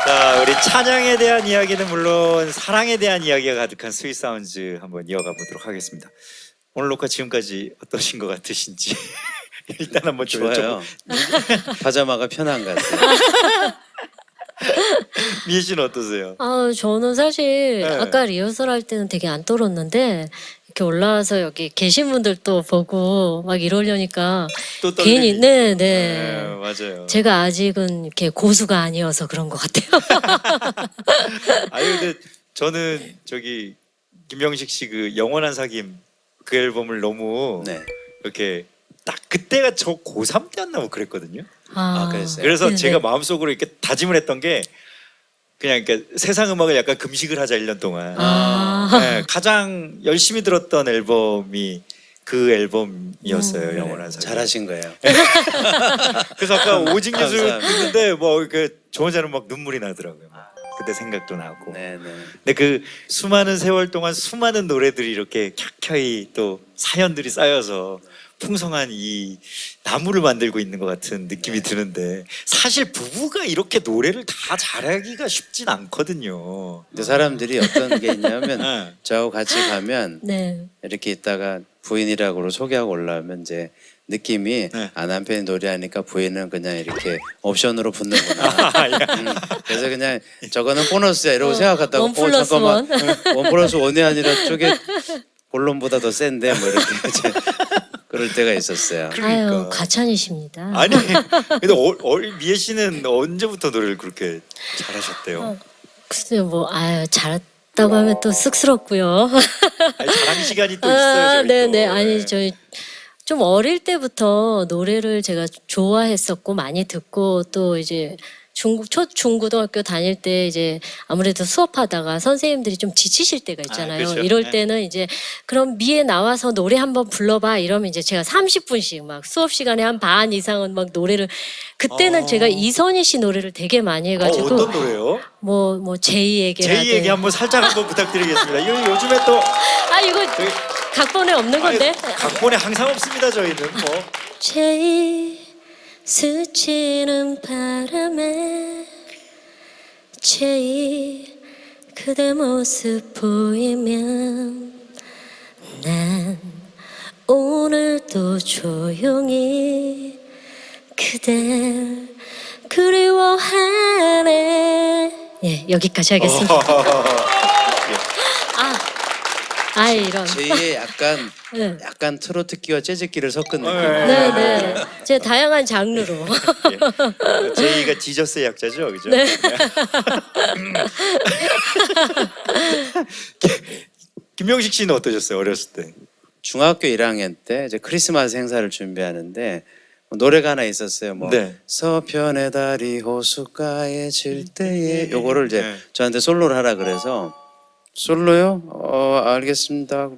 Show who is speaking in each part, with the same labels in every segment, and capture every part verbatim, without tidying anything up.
Speaker 1: 자, 우리 찬양에 대한 이야기는 물론 사랑에 대한 이야기가 가득한 스윗 사운즈 한번 이어가 보도록 하겠습니다. 오늘 녹화 지금까지 어떠신 것 같으신지 일단 한번 좀
Speaker 2: 좋아요.
Speaker 1: 여쭤보-
Speaker 2: 파자마가 편한 것 같아요.
Speaker 1: 미애 씨는 어떠세요?
Speaker 3: 아, 저는 사실
Speaker 1: 네.
Speaker 3: 아까 리허설 할 때는 되게 안 떨었는데 이렇게 올라와서 여기 계신 분들 또 보고 막 이러려니까
Speaker 1: 또 떨리니?
Speaker 3: 괜히 네,
Speaker 1: 네,
Speaker 3: 네.
Speaker 1: 맞아요.
Speaker 3: 제가 아직은 이렇게 고수가 아니어서 그런 것 같아요.
Speaker 1: 아니 근데 저는 저기 김명식 씨 그 영원한 사귐 그 앨범을 너무
Speaker 2: 네.
Speaker 1: 이렇게 딱 그때가 저 고삼 때였나 뭐 그랬거든요.
Speaker 3: 아,
Speaker 2: 아, 그랬어요?
Speaker 1: 그래서
Speaker 3: 네,
Speaker 1: 제가
Speaker 3: 네.
Speaker 1: 마음속으로 이렇게 다짐을 했던 게 그냥 그러니까 세상 음악을 약간 금식을 하자 일 년 동안.
Speaker 3: 아,
Speaker 1: 네, 가장 열심히 들었던 앨범이 그 앨범이었어요.
Speaker 3: 음.
Speaker 1: 영원한 사귐.
Speaker 2: 잘하신 거예요.
Speaker 1: 그래서 아까 오직 예술
Speaker 2: 감사합니다.
Speaker 1: 듣는데 뭐 이렇게 저 혼자는 막 눈물이 나더라고요. 그때 생각도 나고.
Speaker 2: 네, 네.
Speaker 1: 근데 그 수많은 세월 동안 수많은 노래들이 이렇게 켜켜이 또 사연들이 쌓여서 풍성한 이 나무를 만들고 있는 것 같은 느낌이 드는데 사실 부부가 이렇게 노래를 다 잘하기가 쉽진 않거든요.
Speaker 2: 근데 사람들이 어떤 게 있냐면
Speaker 1: 네.
Speaker 2: 저하고 같이 가면
Speaker 3: 네.
Speaker 2: 이렇게 있다가 부인이라고 소개하고 올라오면 이제 느낌이
Speaker 1: 네.
Speaker 2: 아 남편이 노래하니까 부인은 그냥 이렇게 옵션으로 붙는구나.
Speaker 1: 아, 예.
Speaker 2: 음, 그래서 그냥 저거는 보너스야 이러고
Speaker 3: 어,
Speaker 2: 생각하다가
Speaker 3: 원 플러스
Speaker 2: 잠깐만 원 플러스 원이 아니라 쪽에 본론보다 더 센데 뭐 이렇게 이제 그럴 때가 있었어요.
Speaker 1: 그러니까.
Speaker 3: 아유, 과찬이십니다.
Speaker 1: 아니 근데 어, 어, 미애 씨는 언제부터 노래를 그렇게 잘하셨대요?
Speaker 3: 어. 글쎄요, 뭐 아유 잘했다고 하면 또 쑥스럽고요.
Speaker 1: 아니, 자랑 시간이 또 있어요.
Speaker 3: 아,
Speaker 1: 저희
Speaker 3: 네네.
Speaker 1: 또.
Speaker 3: 아니
Speaker 1: 네.
Speaker 3: 저희 좀 어릴 때부터 노래를 제가 좋아했었고 많이 듣고 또 이제 중고 초 중고등학교 다닐 때 이제 아무래도 수업하다가 선생님들이 좀 지치실 때가 있잖아요.
Speaker 1: 아, 그렇죠.
Speaker 3: 이럴
Speaker 1: 네.
Speaker 3: 때는 이제 그럼 미에 나와서 노래 한번 불러봐 이러면 이제 제가 삼십 분씩 막 수업 시간에 한 반 이상은 막 노래를 그때는
Speaker 1: 어.
Speaker 3: 제가 이선희 씨 노래를 되게 많이
Speaker 1: 어,
Speaker 3: 해가지고
Speaker 1: 어떤 노래요?
Speaker 3: 뭐 뭐 제이에게
Speaker 1: 제이에게 한번 살짝 한번 부탁드리겠습니다. 이거 요즘에 또
Speaker 3: 아 이거
Speaker 1: 저희
Speaker 3: 각본에 없는 건데
Speaker 1: 아니, 각본에 항상 없습니다. 저희는 뭐.
Speaker 3: 제이 스치는 바람에 제이 그대 모습 보이면 난 오늘도 조용히 그댈 그리워하네. 예, 여기까지 하겠습니다. 아, 아 이런.
Speaker 2: 제이의 약간
Speaker 3: 네.
Speaker 2: 약간 트로트기와 재즈기를 섞은 느낌.
Speaker 3: 네, 네. 제 다양한 장르로.
Speaker 1: 예. 제이가 지저스의 약자죠, 그죠?
Speaker 3: 네.
Speaker 1: 김명식 씨는 어떠셨어요, 어렸을 때?
Speaker 2: 중학교 일 학년 때 이제 크리스마스 행사를 준비하는데 뭐 노래가 하나 있었어요. 뭐
Speaker 1: 네.
Speaker 2: 서편의 달이 호숫가에 질 때에 요거를 이제
Speaker 1: 네.
Speaker 2: 저한테 솔로를 하라 그래서 솔로요? 어 알겠습니다.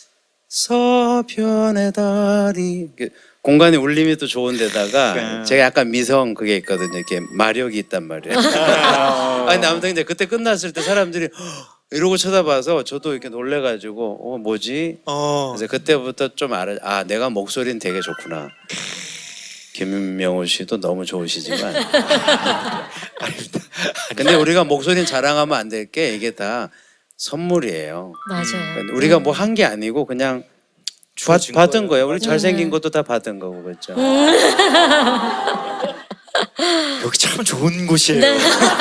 Speaker 2: 서편의 달이 이게 공간의 울림이 또 좋은데다가
Speaker 1: 그러니까.
Speaker 2: 제가 약간 미성 그게 있거든요. 이렇게 마력이 있단 말이에요. 아 근데 아무튼 이제 그때 끝났을 때 사람들이 "헉!" 이러고 쳐다봐서 저도 이렇게 놀래가지고 어 뭐지?
Speaker 1: 어.
Speaker 2: 그래서 그때부터 좀 알아. 아 내가 목소리는 되게 좋구나. 김명호 씨도 너무 좋으시지만. 근데 우리가 목소리는 자랑하면 안 될 게 이게 다 선물이에요.
Speaker 3: 맞아요.
Speaker 2: 그러니까 우리가 뭐 한 게 아니고 그냥 받,
Speaker 1: 주어진
Speaker 2: 받은
Speaker 1: 거예요.
Speaker 2: 거예요. 우리
Speaker 3: 맞아요.
Speaker 2: 잘생긴 것도 다 받은 거고 그렇죠.
Speaker 1: 여기 참 좋은 곳이에요.
Speaker 3: 네.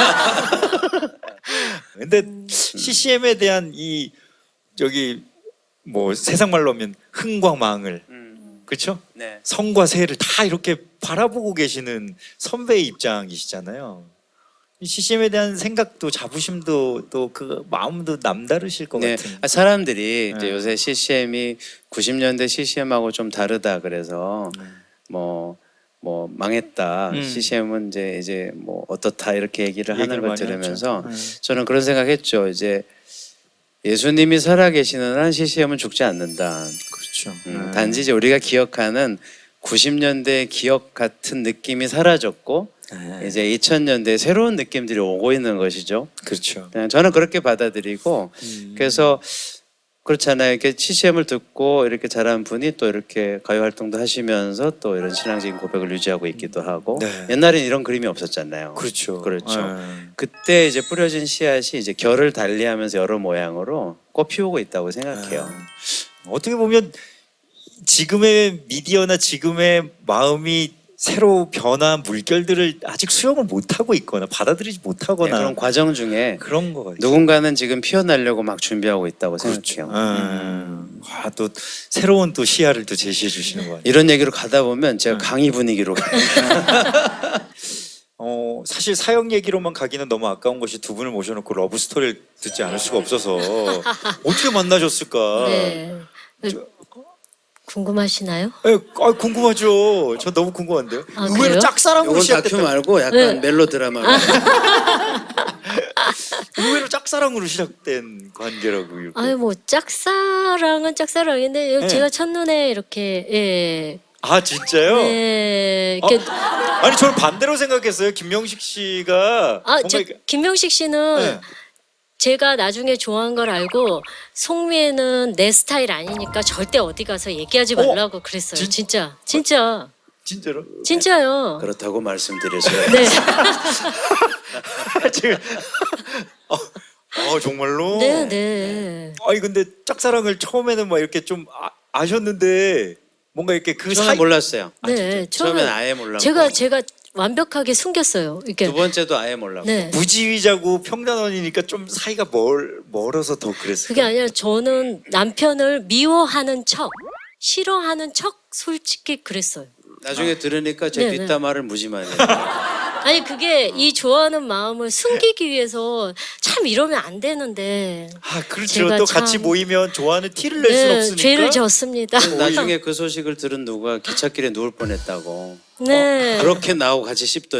Speaker 1: 근데 씨씨엠에 대한 이 저기 뭐 세상 말로 하면 흥과 망을 그렇죠?
Speaker 2: 네.
Speaker 1: 성과 세를 다 이렇게 바라보고 계시는 선배의 입장이시잖아요. 씨씨엠에 대한 생각도 자부심도 또 그 마음도 남다르실 것
Speaker 2: 네.
Speaker 1: 같은.
Speaker 2: 아, 사람들이 이제
Speaker 1: 네.
Speaker 2: 요새 씨씨엠이 구십 년대 씨씨엠하고 좀 다르다 그래서 뭐 뭐 망했다.
Speaker 1: 음.
Speaker 2: 씨씨엠은 이제 이제 뭐 어떻다 이렇게 얘기를 하는
Speaker 1: 얘기를
Speaker 2: 걸
Speaker 1: 많이
Speaker 2: 들으면서
Speaker 1: 하죠. 네.
Speaker 2: 저는 그런 생각했죠. 이제 예수님이 살아계시는 한 씨씨엠은 죽지 않는다.
Speaker 1: 그렇죠.
Speaker 2: 음,
Speaker 1: 네.
Speaker 2: 단지 이제 우리가 기억하는 구십 년대 기억 같은 느낌이 사라졌고
Speaker 1: 네.
Speaker 2: 이제 이천 년대 새로운 느낌들이 오고 있는 것이죠.
Speaker 1: 그렇죠.
Speaker 2: 그냥 저는 그렇게 받아들이고
Speaker 1: 음.
Speaker 2: 그래서 그렇잖아요. 이렇게 씨씨엠을 듣고 이렇게 잘한 분이 또 이렇게 가요 활동도 하시면서 또 이런 신앙적인 고백을 유지하고 있기도 하고
Speaker 1: 네.
Speaker 2: 옛날엔 이런 그림이 없었잖아요.
Speaker 1: 그렇죠.
Speaker 2: 그렇죠.
Speaker 1: 네.
Speaker 2: 그때 이제 뿌려진 씨앗이 이제 결을 달리하면서 여러 모양으로 꽃 피우고 있다고 생각해요.
Speaker 1: 어떻게 보면 지금의 미디어나 지금의 마음이 새로 변한 물결들을 아직 수용을 못하고 있거나 받아들이지
Speaker 2: 네,
Speaker 1: 못하거나
Speaker 2: 그런 과정 중에
Speaker 1: 그런 거 같아요.
Speaker 2: 누군가는 지금 피어나려고 막 준비하고 있다고 생각해요.
Speaker 1: 음. 아, 또 새로운 또 시야를 또 제시해 주시는 거 같아요.
Speaker 2: 이런 얘기로 가다 보면
Speaker 1: 음.
Speaker 2: 제가 강의 분위기로 가요.
Speaker 1: 어, 사실 사형 얘기로만 가기는 너무 아까운 것이 두 분을 모셔놓고 러브 스토리를 듣지 않을 수가 없어서 어떻게 만나셨을까?
Speaker 3: 네. 궁금하시나요?
Speaker 1: 예, 아, 궁금하죠. 저 너무 궁금한데요.
Speaker 3: 아,
Speaker 1: 의외로
Speaker 3: 그래요?
Speaker 1: 짝사랑으로
Speaker 2: 이건 다큐
Speaker 1: 시작됐다.
Speaker 2: 말고 약간
Speaker 3: 네.
Speaker 2: 멜로드라마.
Speaker 1: 의외로 짝사랑으로 시작된 관계라고 이렇게.
Speaker 3: 아니 뭐 짝사랑은 짝사랑인데
Speaker 1: 네.
Speaker 3: 제가 첫눈에 이렇게 예.
Speaker 1: 아 진짜요?
Speaker 3: 네. 이렇게
Speaker 1: 아니 저는 반대로 생각했어요. 김명식 씨가
Speaker 3: 아,
Speaker 1: 뭔가
Speaker 3: 저
Speaker 1: 이렇게-
Speaker 3: 김명식 씨는
Speaker 1: 네.
Speaker 3: 제가 나중에 좋아한 걸 알고 송미애는 내 스타일 아니니까 절대 어디 가서 얘기하지
Speaker 1: 어?
Speaker 3: 말라고 그랬어요.
Speaker 1: 진-
Speaker 3: 진짜. 진짜.
Speaker 1: 진짜로?
Speaker 3: 진짜요.
Speaker 2: 그렇다고 말씀드렸어요.
Speaker 3: 네.
Speaker 1: 지금 어, 어, 정말로?
Speaker 3: 네, 네.
Speaker 1: 아니 근데 짝사랑을 처음에는 막 이렇게 좀 아, 아셨는데 뭔가 이렇게 그
Speaker 2: 처음엔
Speaker 1: 사이
Speaker 2: 몰랐어요.
Speaker 3: 네.
Speaker 2: 처음엔
Speaker 3: 처음에
Speaker 2: 아예 몰랐고
Speaker 3: 제가 제가 완벽하게 숨겼어요. 이렇게.
Speaker 2: 두 번째도 아예 몰랐고
Speaker 3: 네.
Speaker 1: 무지위자고 평단원이니까 좀 사이가 멀 멀어서 더 그랬어요.
Speaker 3: 그게 아니라 저는 남편을 미워하는 척, 싫어하는 척 솔직히 그랬어요.
Speaker 2: 나중에 들으니까 제
Speaker 3: 네, 네.
Speaker 2: 뒷담화를 무지 많이 해요.
Speaker 3: 아니 그게 이 좋아하는 마음을 숨기기 위해서 참 이러면 안 되는데
Speaker 1: 아 그렇죠.
Speaker 3: 제가
Speaker 1: 또 같이
Speaker 3: 참-
Speaker 1: 모이면 좋아하는 티를 낼 수는
Speaker 3: 네,
Speaker 1: 없으니까.
Speaker 3: 죄를 졌습니다.
Speaker 2: 나중에 그 소식을 들은 누가 기찻길에 누울 뻔했다고.
Speaker 3: 네.
Speaker 2: 그렇게 나하고 같이 씹더니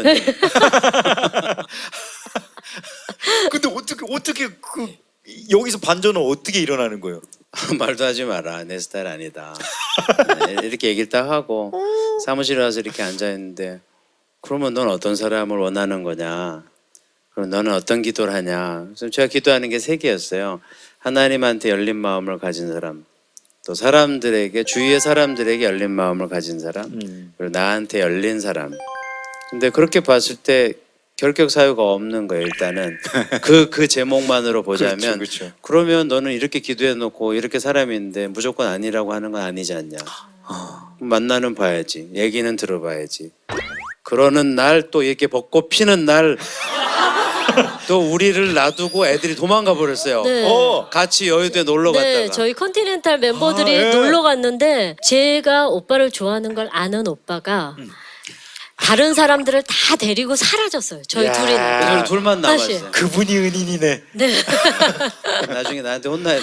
Speaker 1: 근데 어떻게 어떻게 그 여기서 반전은 어떻게 일어나는 거예요?
Speaker 2: 말도 하지 마라. 내 스타일 아니다. 네, 이렇게 얘기를 딱 하고 사무실에 와서 이렇게 앉아 있는데 그러면 넌 어떤 사람을 원하는 거냐? 그럼 너는 어떤 기도를 하냐? 그래서 제가 기도하는 게 세 개였어요. 하나님한테 열린 마음을 가진 사람, 또 사람들에게 주위의 사람들에게 열린 마음을 가진 사람,
Speaker 1: 음.
Speaker 2: 그리고 나한테 열린 사람. 근데 그렇게 봤을 때 결격 사유가 없는 거예요. 일단은 그 그 제목만으로 보자면
Speaker 1: 그렇죠, 그렇죠.
Speaker 2: 그러면 너는 이렇게 기도해 놓고 이렇게 사람인데 무조건 아니라고 하는 건 아니지 않냐. 만나는 봐야지. 얘기는 들어봐야지. 그러는 날 또 이렇게 벚꽃 피는 날 또 우리를 놔두고 애들이 도망가 버렸어요.
Speaker 3: 네.
Speaker 1: 어.
Speaker 2: 같이 여의도에 놀러
Speaker 3: 네,
Speaker 2: 갔다가.
Speaker 3: 저희 컨티넨탈 멤버들이
Speaker 1: 아, 예.
Speaker 3: 놀러 갔는데 제가 오빠를 좋아하는 걸 아는 오빠가
Speaker 1: 음.
Speaker 3: 다른 사람들을 다 데리고 사라졌어요. 저희
Speaker 1: 야.
Speaker 3: 둘이.
Speaker 2: 그래서 둘만
Speaker 3: 사실.
Speaker 2: 남았어요.
Speaker 1: 그분이 은인이네.
Speaker 3: 네.
Speaker 2: 나중에 나한테 혼나야 돼.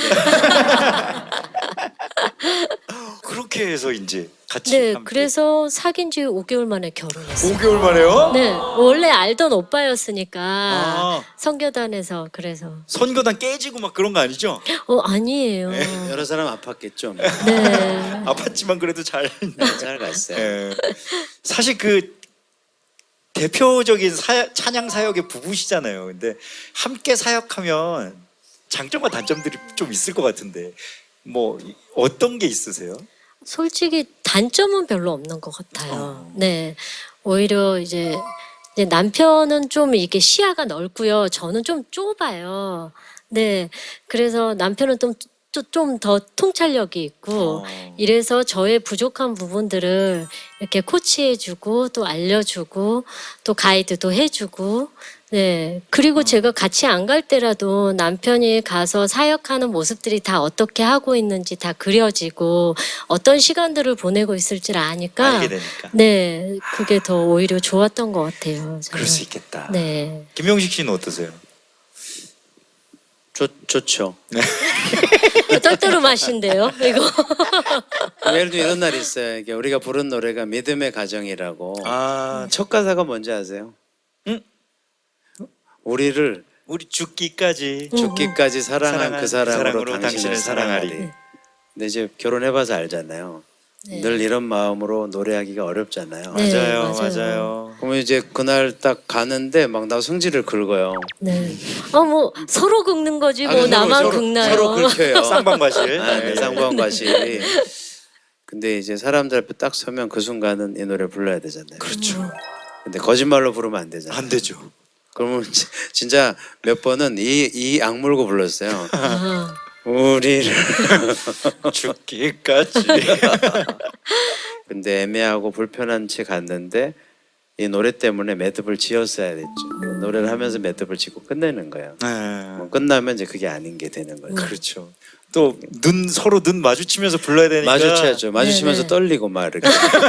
Speaker 1: 그렇게 해서 이제 같이.
Speaker 3: 네,
Speaker 1: 함께.
Speaker 3: 그래서 사귄 지 오 개월 만에 결혼했어요.
Speaker 1: 오 개월 만에요?
Speaker 3: 네, 원래 알던 오빠였으니까
Speaker 1: 아.
Speaker 3: 선교단에서 그래서
Speaker 1: 선거단 깨지고 막 그런 거 아니죠?
Speaker 3: 어 아니에요.
Speaker 2: 여러 사람 아팠겠죠.
Speaker 3: 네.
Speaker 1: 아팠지만 그래도 잘.
Speaker 2: 잘 갔어요.
Speaker 1: 예. 사실 그 대표적인 사, 찬양 사역의 부부시잖아요. 근데 함께 사역하면 장점과 단점들이 좀 있을 것 같은데 뭐 어떤 게 있으세요?
Speaker 3: 솔직히 단점은 별로 없는 것 같아요. 네, 오히려 이제, 이제 남편은 좀 이게 시야가 넓고요. 저는 좀 좁아요. 네, 그래서 남편은 좀 좀 더 통찰력이 있고
Speaker 1: 어.
Speaker 3: 이래서 저의 부족한 부분들을 이렇게 코치해주고 또 알려주고 또 가이드도 해주고 네 그리고 제가 같이 안 갈 때라도 남편이 가서 사역하는 모습들이 다 어떻게 하고 있는지 다 그려지고 어떤 시간들을 보내고 있을지를 아니까
Speaker 1: 알게 되니까.
Speaker 3: 네 그게 더 오히려 좋았던 것 같아요. 저는.
Speaker 1: 그럴 수 있겠다.
Speaker 3: 네.
Speaker 1: 김명식 씨는 어떠세요?
Speaker 2: 좋, 좋죠.
Speaker 3: 떨떠름하신데요, 이거.
Speaker 2: 예를 들면 이런 날이 있어요. 이게 우리가 부른 노래가 믿음의 가정이라고.
Speaker 1: 아,
Speaker 2: 첫 가사가 뭔지 아세요?
Speaker 1: 응?
Speaker 2: 우리를
Speaker 1: 우리 죽기까지
Speaker 2: 죽기까지 사랑한
Speaker 1: 사랑한
Speaker 2: 그 사랑으로,
Speaker 1: 사랑으로
Speaker 2: 당신을
Speaker 1: 당신을
Speaker 2: 사랑하리.
Speaker 1: 사랑하리.
Speaker 2: 근데 이제 결혼해봐서 알잖아요.
Speaker 3: 네.
Speaker 2: 늘 이런 마음으로 노래하기가 어렵잖아요.
Speaker 3: 네,
Speaker 1: 맞아요,
Speaker 3: 맞아요.
Speaker 1: 맞아요.
Speaker 2: 그러면 이제 그날 딱 가는데 막 나 성질을 긁어요.
Speaker 3: 네. 아 뭐 서로 긁는 거지 뭐
Speaker 2: 아니, 서로,
Speaker 3: 나만
Speaker 2: 서로,
Speaker 3: 긁나요?
Speaker 2: 서로 긁혀요.
Speaker 1: 쌍방과실.
Speaker 2: 아, 네, 쌍방과실이. 근데 이제 사람들 앞에 딱 서면 그 순간은 이 노래 불러야 되잖아요.
Speaker 1: 그렇죠.
Speaker 2: 근데 거짓말로 부르면 안 되잖아요.
Speaker 1: 안 되죠.
Speaker 2: 그러면 지- 진짜 몇 번은 이 이 악물고 불렀어요.
Speaker 3: 아,
Speaker 2: 우리를.
Speaker 1: 죽기까지.
Speaker 2: 근데 애매하고 불편한 채 갔는데 이 노래 때문에 매듭을 지었어야 됐죠. 노래를 하면서 매듭을 짓고 끝내는 거예요.
Speaker 1: 네.
Speaker 2: 뭐 끝나면 이제 그게 아닌 게 되는 거죠.
Speaker 1: 그렇죠. 또 눈 서로 눈 마주치면서 불러야 되니까
Speaker 2: 마주쳐야죠. 마주치면서
Speaker 3: 네네.
Speaker 2: 떨리고 막 이렇게.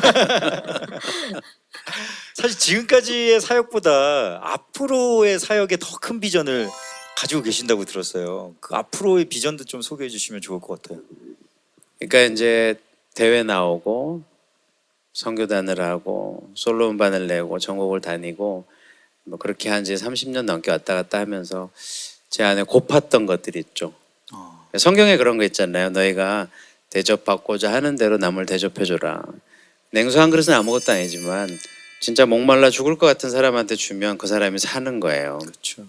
Speaker 1: 사실 지금까지의 사역보다 앞으로의 사역에 더 큰 비전을 가지고 계신다고 들었어요. 그 앞으로의 비전도 좀 소개해 주시면 좋을 것 같아요.
Speaker 2: 그러니까 이제 대회 나오고 선교단을 하고 솔로 음반을 내고 전국을 다니고 뭐 그렇게 한 지 삼십 년 넘게 왔다 갔다 하면서 제 안에 고팠던 것들이 있죠.
Speaker 1: 어.
Speaker 2: 성경에 그런 거 있잖아요. 너희가 대접받고자 하는 대로 남을 대접해줘라. 냉수 한 그릇은 아무것도 아니지만 진짜 목말라 죽을 것 같은 사람한테 주면 그 사람이 사는 거예요.
Speaker 1: 그렇죠.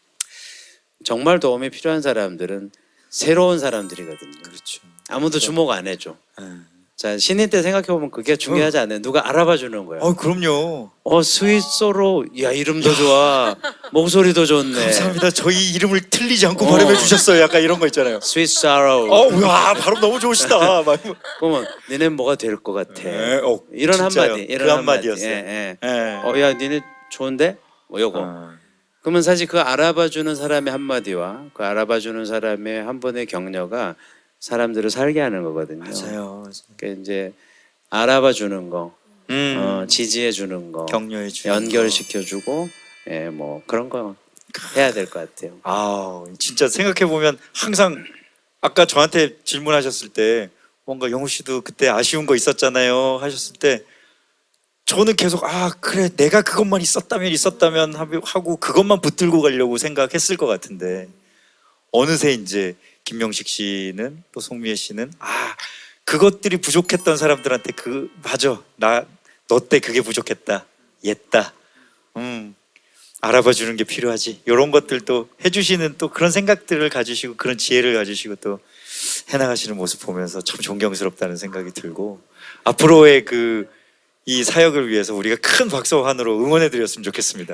Speaker 2: 정말 도움이 필요한 사람들은 새로운 사람들이거든요.
Speaker 1: 그렇죠.
Speaker 2: 아무도 주목 안 해줘.
Speaker 1: 네.
Speaker 2: 자, 신인 때 생각해 보면 그게 중요하지 않아요. 누가 알아봐 주는 거예요.
Speaker 1: 어, 그럼요.
Speaker 2: 어, 스윗소로, 야 이름도 좋아, 목소리도 좋네.
Speaker 1: 감사합니다. 저희 이름을 틀리지 않고
Speaker 2: 어.
Speaker 1: 발음해 주셨어요. 약간 이런 거 있잖아요.
Speaker 2: 스윗 사로.
Speaker 1: 어, 와, 발음 너무 좋으시다. 막.
Speaker 2: 그러면 니네 뭐가 될 것 같아.
Speaker 1: 네, 어,
Speaker 2: 이런
Speaker 1: 진짜요.
Speaker 2: 한마디, 이런
Speaker 1: 그
Speaker 2: 한마디.
Speaker 1: 한마디였어요.
Speaker 2: 예, 예.
Speaker 1: 네.
Speaker 2: 어, 야 니네 좋은데? 뭐 요거.
Speaker 1: 어.
Speaker 2: 그러면 사실 그 알아봐 주는 사람의 한마디와 그 알아봐 주는 사람의 한 번의 격려가 사람들을 살게 하는 거거든요.
Speaker 1: 맞아요. 맞아요.
Speaker 2: 그러니까 이제 알아봐 주는 거,
Speaker 1: 음.
Speaker 2: 어, 지지해 주는 거,
Speaker 1: 격려해 주는
Speaker 2: 연결시켜 주고, 예, 뭐 그런 거 해야 될 것 같아요.
Speaker 1: 아, 진짜 생각해 보면 항상 아까 저한테 질문하셨을 때 뭔가 영우 씨도 그때 아쉬운 거 있었잖아요 하셨을 때 저는 계속 아 그래 내가 그것만 있었다면 있었다면 하고 그것만 붙들고 가려고 생각했을 것 같은데 어느새 이제 김명식 씨는 또 송미애 씨는 아 그것들이 부족했던 사람들한테 그 맞아 나 너 때 그게 부족했다 옛다 음 알아봐 주는 게 필요하지 이런 것들도 해주시는 또 그런 생각들을 가지시고 그런 지혜를 가지시고 또 해나가시는 모습 보면서 참 존경스럽다는 생각이 들고 앞으로의 그 이 사역을 위해서 우리가 큰 박수와 환호로 응원해 드렸으면 좋겠습니다.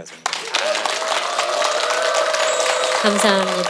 Speaker 3: 감사합니다.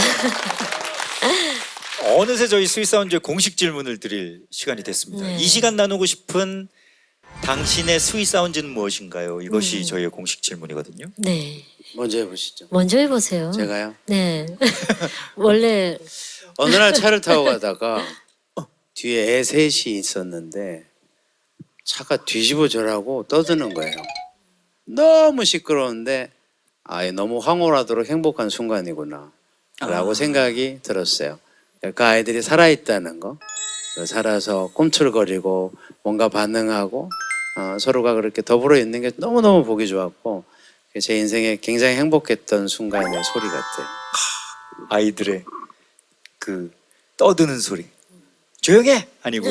Speaker 1: 어느새 저희 스윗사운드의 공식 질문을 드릴 시간이 됐습니다.
Speaker 3: 네.
Speaker 1: 이 시간 나누고 싶은 당신의 스윗사운드는 무엇인가요? 이것이
Speaker 3: 음.
Speaker 1: 저희의 공식 질문이거든요.
Speaker 3: 네.
Speaker 2: 먼저 해보시죠.
Speaker 3: 먼저 해보세요.
Speaker 2: 제가요.
Speaker 3: 네. 원래
Speaker 2: 어느 날 차를 타고 가다가 뒤에 애 셋이 있었는데 차가 뒤집어져라고 떠드는 거예요. 너무 시끄러운데 아, 너무 황홀하도록 행복한 순간이구나 라고
Speaker 1: 아.
Speaker 2: 생각이 들었어요. 그 아이들이 살아있다는 거, 살아서 꿈틀거리고 뭔가 반응하고 어, 서로가 그렇게 더불어 있는 게 너무너무 보기 좋았고 제 인생에 굉장히 행복했던 순간의 소리 같아요.
Speaker 1: 아이들의 그 떠드는 소리. 조용해 아니고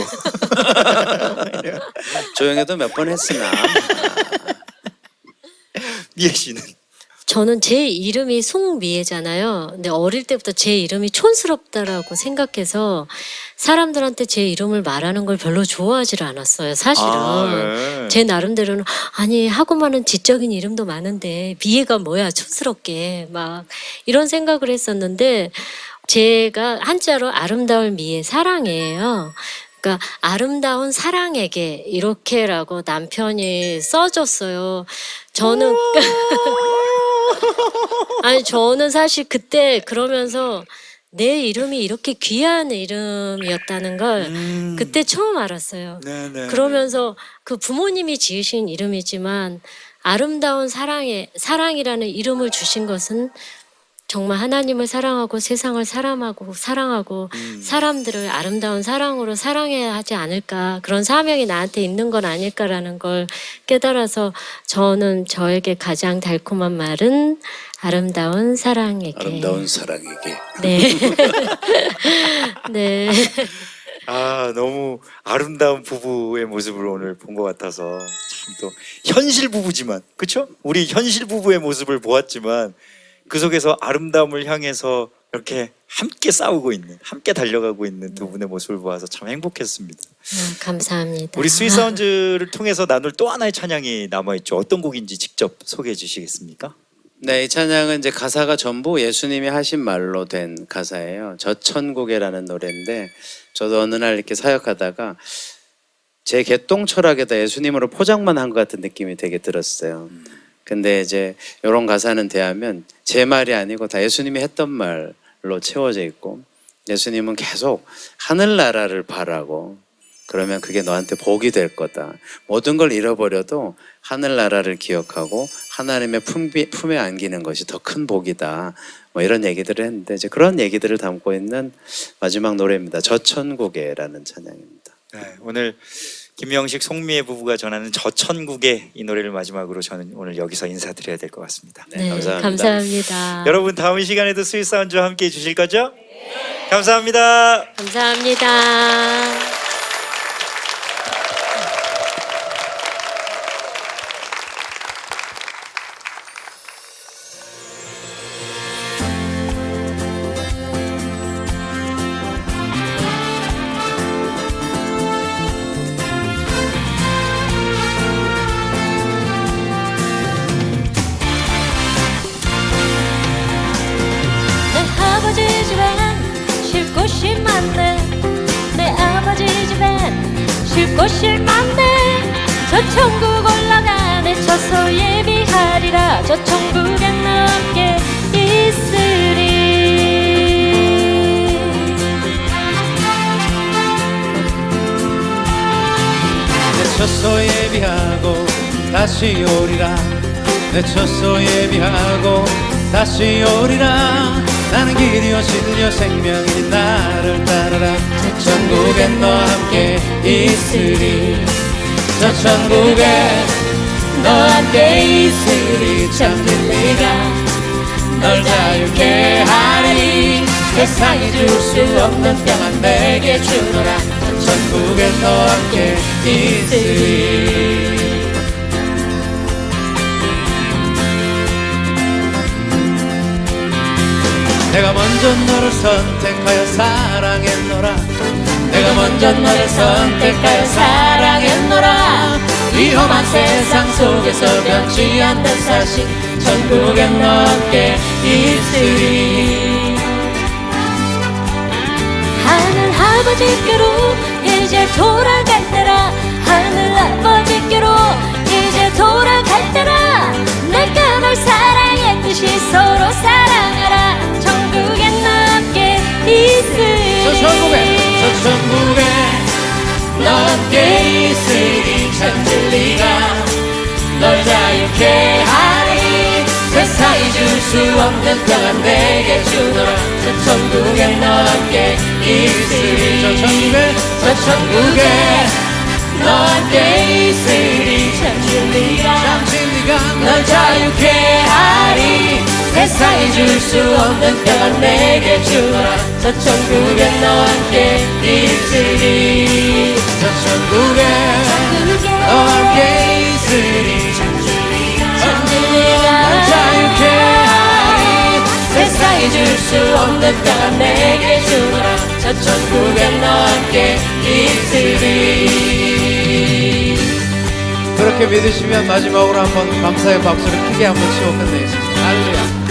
Speaker 2: 조용해도 몇 번 했으나
Speaker 1: 미애 씨는
Speaker 3: 저는 제 이름이 송미애잖아요. 근데 어릴 때부터 제 이름이 촌스럽다라고 생각해서 사람들한테 제 이름을 말하는 걸 별로 좋아하지를 않았어요. 사실은.
Speaker 1: 네.
Speaker 3: 제 나름대로는 아니 하고 많은 지적인 이름도 많은데 미애가 뭐야 촌스럽게 막 이런 생각을 했었는데 제가 한자로 아름다울 미애 사랑이에요. 그러니까 아름다운 사랑에게 이렇게라고 남편이 써줬어요. 저는 아니 저는 사실 그때 그러면서 내 이름이 이렇게 귀한 이름이었다는 걸
Speaker 1: 음.
Speaker 3: 그때 처음 알았어요.
Speaker 1: 네네.
Speaker 3: 그러면서 그 부모님이 지으신 이름이지만 아름다운 사랑에 사랑이라는 이름을 주신 것은 정말 하나님을 사랑하고 세상을 사랑하고 사랑하고
Speaker 1: 음.
Speaker 3: 사람들을 아름다운 사랑으로 사랑해야 하지 않을까 그런 사명이 나한테 있는 건 아닐까라는 걸 깨달아서 저는 저에게 가장 달콤한 말은 아름다운 사랑에게
Speaker 2: 아름다운 사랑에게
Speaker 3: 네. 네.
Speaker 1: 아 너무 아름다운 부부의 모습을 오늘 본 것 같아서 참 또 현실 부부지만 그렇죠? 우리 현실 부부의 모습을 보았지만 그 속에서 아름다움을 향해서 이렇게 함께 싸우고 있는, 함께 달려가고 있는 두 분의 모습을 보아서 참 행복했습니다.
Speaker 3: 아, 감사합니다.
Speaker 1: 우리 스윗사운즈를 통해서 나눌 또 하나의 찬양이 남아있죠. 어떤 곡인지 직접 소개해 주시겠습니까?
Speaker 2: 네, 이 찬양은 이제 가사가 전부 예수님이 하신 말로 된 가사예요. 저천국에라는 노래인데 저도 어느 날 이렇게 사역하다가 제 개똥 철학에다 예수님으로 포장만 한 것 같은 느낌이 되게 들었어요. 근데 이제 이런 가사는 대하면 제 말이 아니고 다 예수님이 했던 말로 채워져 있고 예수님은 계속 하늘나라를 바라고 그러면 그게 너한테 복이 될 거다. 모든 걸 잃어버려도 하늘나라를 기억하고 하나님의 품비, 품에 안기는 것이 더 큰 복이다. 뭐 이런 얘기들을 했는데 이제 그런 얘기들을 담고 있는 마지막 노래입니다. 저천국에라는 찬양입니다.
Speaker 1: 네, 오늘 김영식, 송미애 부부가 전하는 저천국의 이 노래를 마지막으로 저는 오늘 여기서 인사드려야 될 것 같습니다.
Speaker 2: 네, 감사합니다.
Speaker 3: 감사합니다.
Speaker 1: 여러분 다음 시간에도 스윗사운즈와 함께 해주실 거죠? 네. 감사합니다.
Speaker 3: 감사합니다. 곳이 많네. 내 아버지 집엔 쉴 곳이 많네. 저 천국 올라가네. 저서 예비하리라. 저 천국엔 함께 있으리.
Speaker 4: 내 처소 예비하고 다시 오리라. 내 처소 예비하고 다시 오리라. 나는 길이요 진리요 생명이니 나를 따르라. 저 천국엔 너와 함께 있으리. 저 천국에 너와 함께 있으리. 참 진리가 널 자유케 하리. 세상이 줄 수 없는 평안 내게 주노라. 저 천국엔 너와 함께 있으리. 내가 먼저 너를 선택하여 사랑했노라. 내가 먼저 너를 선택하여 사랑했노라. 위험한 세상 속에서 변치 않는 사실. 천국엔 너와 함께 있으리.
Speaker 3: 하늘 아버지께로 이제 돌아갈 때라. 하늘 아버지께로 이제 돌아갈 때라. 내가 널 사랑했듯이 서로 사랑하라. 천국엔 너 함께 있으리.
Speaker 4: 저 천국에 저 천국에 너와 함께 있으리. 참 진리가 널 자유케 하리. 세상이 줄 수 없는 평안 내게 주노라. 저 천국에 너와 함께 있으리. 저 천국에 저 천국에 너와 함께 있으리. 참 진리가 참 진리가 널 자유케 하리. 세상이 줄 수 없는 평안 내게 주노라. 저 천국에 너와 함께 있으리. 저 천국에 너와 함께 있으리. 참 진리가 널 자유케 하리. 세상이 줄 수 없는 평안 내게 주노라. 저 천국에 너와 함께 있으리.
Speaker 2: 그렇게 믿으시면 마지막으로 한번 감사의 박수를 크게 한번 치고 끝내겠습니다. 할렐루야.